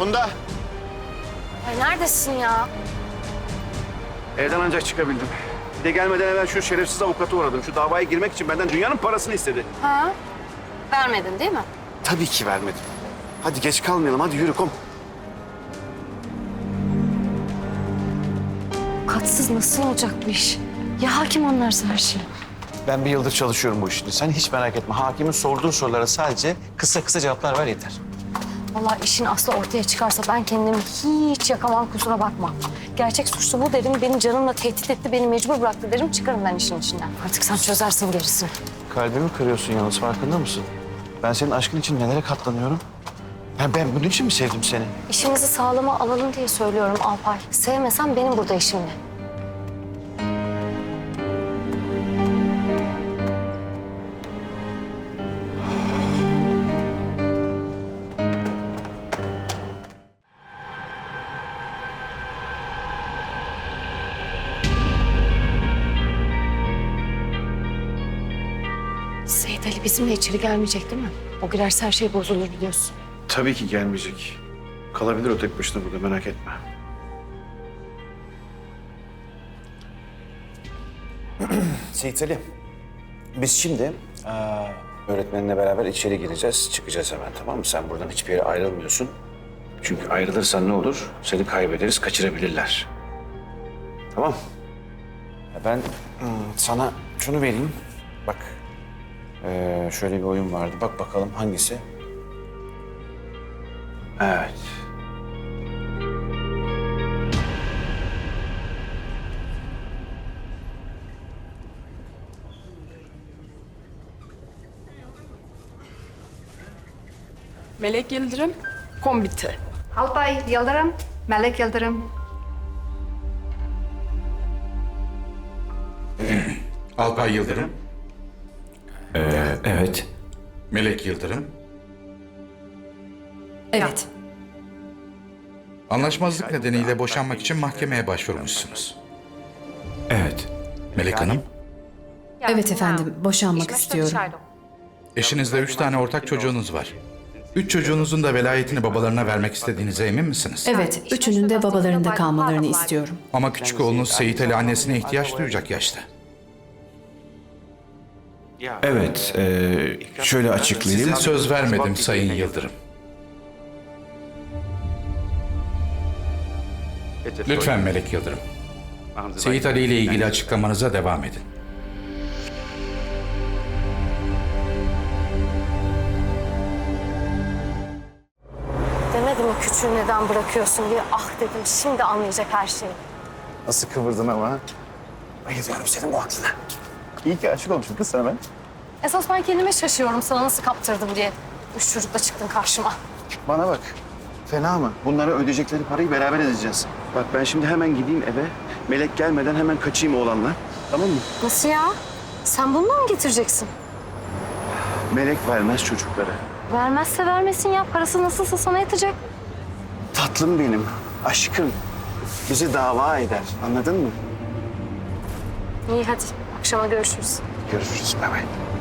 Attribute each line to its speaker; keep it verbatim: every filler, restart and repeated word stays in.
Speaker 1: Funda.
Speaker 2: Ay neredesin ya?
Speaker 1: Evden ancak çıkabildim. Bir de gelmeden evvel şu şerefsiz avukata uğradım. Şu davaya girmek için benden dünyanın parasını istedi.
Speaker 2: Ha? Vermedin değil mi?
Speaker 1: Tabii ki vermedim. Hadi geç kalmayalım. Hadi yürü kom.
Speaker 2: Katsız nasıl olacak bu iş? Ya hakim anlarsa her şeyi?
Speaker 3: Ben bir yıldır çalışıyorum bu işte. Sen hiç merak etme. Hakimin sorduğu sorulara sadece kısa kısa cevaplar ver yeter.
Speaker 2: Vallahi işin aslı ortaya çıkarsa ben kendimi hiç yakamam, kusura bakma. Gerçek suçlu bu derim, beni canımla tehdit etti, beni mecbur bıraktı derim, çıkarım ben işin içinden. Artık sen çözersin gerisini.
Speaker 3: Kalbimi kırıyorsun yalnız, farkında mısın? Ben senin aşkın için nelere katlanıyorum? Ya ben bunun için mi sevdim seni?
Speaker 2: İşimizi sağlama alalım diye söylüyorum Alpay. Sevmesem benim burada işim ne? Seyit Ali bizimle içeri gelmeyecek değil mi? O girerse her şey bozulur biliyorsun.
Speaker 1: Tabii ki gelmeyecek. Kalabilir o tek başına burada, merak etme.
Speaker 3: Seyit Ali, biz şimdi eee, öğretmeninle beraber içeri gireceğiz, çıkacağız hemen, tamam mı? Sen buradan hiçbir yere ayrılmıyorsun. Çünkü ayrılırsan ne olur? Seni kaybederiz, kaçırabilirler. Tamam. Ya ben hmm, sana şunu vereyim. Bak, eee, şöyle bir oyun vardı. Bak bakalım hangisi? Evet.
Speaker 4: Melek Yıldırım, Kombiti.
Speaker 5: Alpay Yıldırım, Melek Yıldırım.
Speaker 6: Alpay Yıldırım,
Speaker 7: Ee, evet.
Speaker 6: Melek Yıldırım.
Speaker 4: Evet.
Speaker 6: Anlaşmazlık nedeniyle boşanmak için mahkemeye başvurmuşsunuz.
Speaker 7: Evet.
Speaker 6: Melek Hanım,
Speaker 8: Evet efendim, boşanmak istiyorum.
Speaker 6: eşinizle üç tane ortak çocuğunuz var. Üç çocuğunuzun da velayetini babalarına vermek istediğinize emin misiniz?
Speaker 8: Evet, üçünün de babalarında kalmalarını istiyorum.
Speaker 6: Ama küçük oğlunuz Seyit Ali annesine ihtiyaç duyacak yaşta.
Speaker 7: Evet. ee, şöyle açıklayayım.
Speaker 6: Size söz vermedim Sayın Yıldırım. Lütfen Melek Yıldırım, Seyit Ali ile ilgili açıklamanıza devam edin.
Speaker 2: Demedim mi küçüğü neden bırakıyorsun diye? Ah dedim, şimdi anlayacak her şeyi.
Speaker 3: Nasıl kıvırdın ama? Bayılıyorum senin bu aklına. İyi ki aşık olmuşum kız sana ben.
Speaker 2: Esas ben kendime şaşıyorum sana nasıl kaptırdım diye. Üç çocukla çıktın karşıma.
Speaker 1: Bana bak. Fena mı? Bunlara ödeyecekleri parayı beraber edeceğiz. Bak ben şimdi hemen gideyim eve. Melek gelmeden hemen kaçayım oğlanla. Tamam mı?
Speaker 2: Nasıl ya? Sen bunu da mı getireceksin?
Speaker 1: Melek vermez çocukları.
Speaker 2: Vermezse vermesin ya. Parası nasılsa sana yatacak.
Speaker 1: Tatlım benim, aşkım. Bizi dava eder. Anladın mı?
Speaker 2: İyi hadi. Akşama görüşürüz.
Speaker 1: Görüşürüz. Bay bay.